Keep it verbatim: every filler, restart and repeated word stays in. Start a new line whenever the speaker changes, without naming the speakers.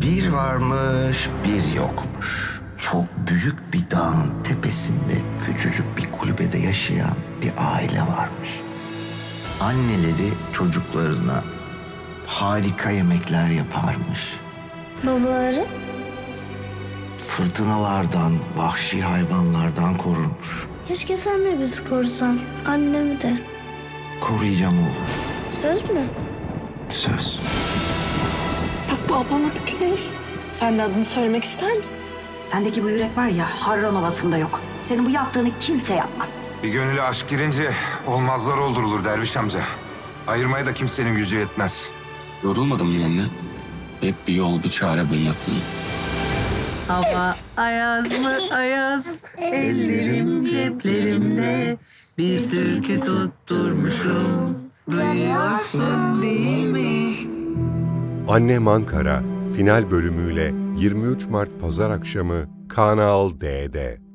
Bir varmış, bir yokmuş. Çok büyük bir dağın tepesinde küçücük bir kulübede yaşayan bir aile varmış. Anneleri çocuklarına harika yemekler yaparmış.
Babaları?
Fırtınalardan, vahşi hayvanlardan korurmuş.
Keşke sen de bizi korusan. Annemi de.
Koruyacağım oğlum.
Söz mü?
Söz.
Bak bu ablanın adı Güneş. Sen de adını söylemek ister misin?
Sendeki bu yürek var ya Harran Ovası'nda yok. Senin bu yaptığını kimse yapmaz.
Bir gönüle aşk girince olmazlar oldurulur derviş amca. Ayırmaya da kimsenin gücü yetmez.
Yorulmadın mı anne? Hep bir yol, bir çare bulacaktın.
Hava ayaz mı ayaz, ellerim ceplerimde, bir türkü tutturmuşum, duyuyorsun değil mi?
Annem Ankara final bölümüyle yirmi üç Mart Pazar akşamı Kanal D'de.